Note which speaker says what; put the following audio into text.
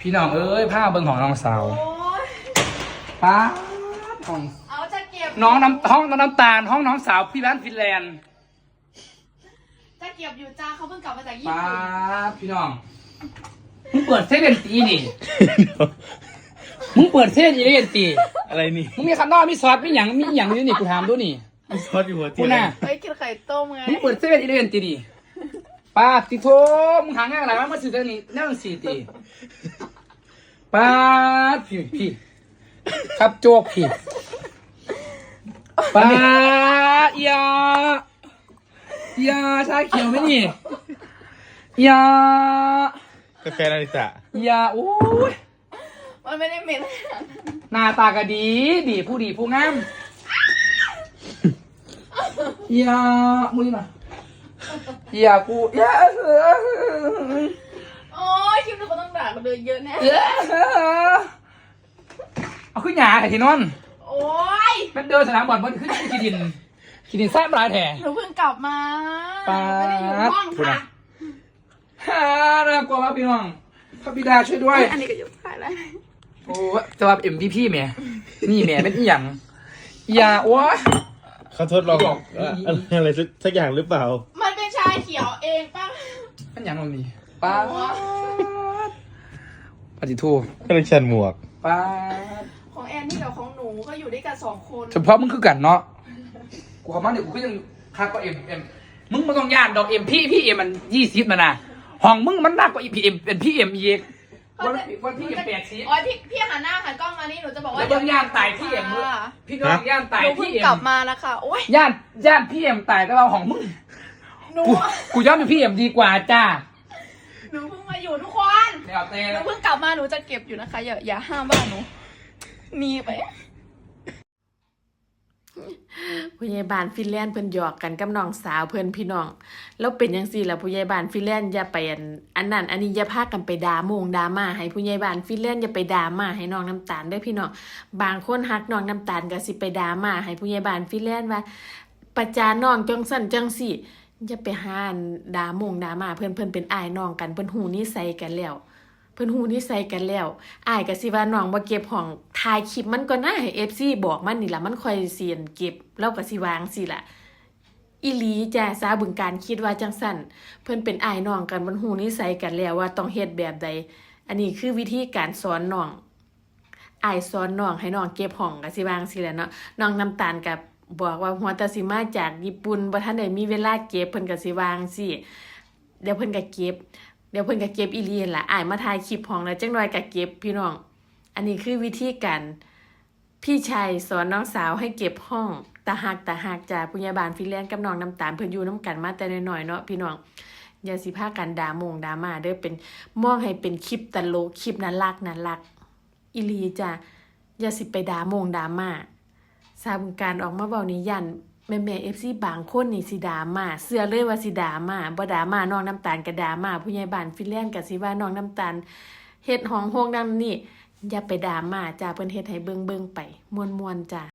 Speaker 1: พี่น้องเอ้ยผ้าเบิ่งของน้องสาวป้าห้อง
Speaker 2: เอาจะเก็บ
Speaker 1: น้องห้องน้ำตาลห้องน้องสาวพี่ร้านฟินแลนด์
Speaker 2: จะเก็บอยู่จ้าเขาเพิ่งกลับมาจากญี่
Speaker 1: ป้า
Speaker 2: ปุ่น
Speaker 1: พี่น้องมึงเปิดเซเว่นตีนี่มึงเปิดเซเว่นตี
Speaker 3: อะไรนี่
Speaker 1: มึงมีคำนอกมีซอสมีหยังอยู่นี่กูถามดูนี่
Speaker 3: มีซอสอยู่หัวเตียง
Speaker 1: น่ะ
Speaker 2: เฮ้ยกินไข่ต้มไง
Speaker 1: มึงเปิดเซเว่นตีดิป้าติโทมึงหางานอะไรมาซื้อเรื่องนี้แน่นสี่ตีป้าพี่ครับโจกพี่ป้ายาชาเขียวไหมนี่ยาก
Speaker 3: าแฟนาริตะ
Speaker 1: ยาโอ้ย
Speaker 2: มันไม่ได้เหม็น
Speaker 1: หน้าตาก็ดีผู้งามยามึงมายากูยา
Speaker 2: โอ้ยคลิปนี้เขาต้องด่ากันเลยเยอะแน่
Speaker 1: เอาขึ้นหยาไอ้ที่นอน
Speaker 2: โอ้ย
Speaker 1: มันเดินสนามบอลมันขึ้นขีดินแซ่บลายแถ
Speaker 2: หนูเพิ่งกลับมาไม่ได้อยู่ห้องค่ะ
Speaker 1: น่ากลัวมากพี่น้องพระบิดาช่วยด้วย
Speaker 2: อันนี้ก็ยุบถ่ายแล้ว
Speaker 1: โอ้จะว่า MVP แม่นี่แม่เป็นอีหยังอย่าโอ้ย
Speaker 3: เขาทดลองอะไรสักอย่างหรือเปล่า
Speaker 2: มันเป็นชาเขียวเองป่ะ
Speaker 1: เป็นอย่างมันนี่ป้าปฏิทู
Speaker 3: คอลเลคชันหมวก
Speaker 1: ป้า
Speaker 2: ของแอนนี่กับของหนูก็อยู่ด้วยกัน2 คน
Speaker 1: เฉพาะมึงคือกันเนาะกูขอมาเดี๋ยวกูก็ยังคักกว่าเอ็มมึงไม่ต้องย่านดอกเอ็มพี่เอ็มมัน20มันนะห้องมึงมันหนักกว่าพี่เอ็มเป็นพี่เอ็มอีกวันพี่เอ็ม80
Speaker 2: อ๋อพี่หันหน้าหันกล้องมานี่หนูจะบอกว่า
Speaker 1: เดี๋ยวย่านตายพี่เอ็มพี่น้องย่านตายพี่เอ็ม
Speaker 2: กลับมาแล้วค่ะโอ้ย
Speaker 1: ย่านพี่เอ็มตายแต่เราของมึงกูย้อนเป็นพี่เอ็มดีกว่าจ้า
Speaker 2: หนูเพิ่งมาอยู่ทุกคนหนูเพิ่งกลับมาหนูจะเก็บอยู่นะคะอย่าห้ามบ้านหนูหนีไป
Speaker 4: ผู้ใหญ่บ้านฟินแลนด์เพิ่นหยอกกันกับน้องสาวเพิ่นพี่น้องแล้วเป็นจังซี่ล่ะผู้ใหญ่บ้านฟินแลนด์อย่าไปอันนั้นอันนี้อย่าพากันไปด่ามาให้ผู้ใหญ่บ้านฟินแลนด์อย่าไปด่ามาให้น้องน้ำตาลเด้อพี่น้องบางคนฮักน้องน้ำตาลก็สิไปด่ามาให้ผู้ใหญ่บ้านฟินแลนด์ว่าประจานน้องจังซั่นจังซี่อย่าไปหาด่ามาเพิ่นเป็นอ้ายน้องกันเพิ่นฮู้นิสัยกันแล้วอ้ายก็สิว่าน้องบ่เก็บห้องถ่ายคลิปมันก็น่าให้ FC บอกมันนี่ล่ะมันค่อยเสียนเก็บแล้วก็สิวางสิล่ะอีหลีจ้าสาบึงการคิดว่าจังซั่นเพิ่นเป็นอ้ายน้องกันมันฮู้นิสัยกันแล้วว่าต้องเฮ็ดแบบใดอันนี้คือวิธีการสอนน้องอ้ายสอนน้องให้น้องเก็บห้องก็สิวางสิแหละเนาะน้องน้ำตาลก็บอกว่าหัวตาสิมาจากญี่ปุ่นบ่ทันได้มีเวลาเก็บเพิ่นก็สิวางสิเดี๋ยวเพิ่นก็เก็บอีเลียนล่ะอ้ายมาถ่ายคลิปห้องแล้วจังหน่อยก็เก็บพี่น้องอันนี้คือวิธีการพี่ชายสอนน้องสาวให้เก็บห้องตาหักจ้าผู้ใหญ่บ้านฟินแลนด์กับน้องน้ำตาลเพิ่นอยู่นำกันมาแต่น้อยๆเนาะพี่น้องอย่าสิพากันด่ามาเด้อเป็นมองให้เป็นคลิปตลกคลิปน่ารักอีหลีจ้าอย่าสิไปด่ามาสาบุญการออกมาเว้านี่ยันแม่ FC บางคนนี่สิด่ามาเชื่อเลยว่าสิด่ามาบ่ด่ามาน้องน้ำตาลก็ด่ามาผู้ใหญ่บ้านฟินแลนด์ก็สิว่าน้องน้ำตาลเฮ็ดห้องโฮงดังนี่อย่าไปด่ามาจ้าเพิ่นเฮ็ดให้เบิ่งไปม่วนๆจ้า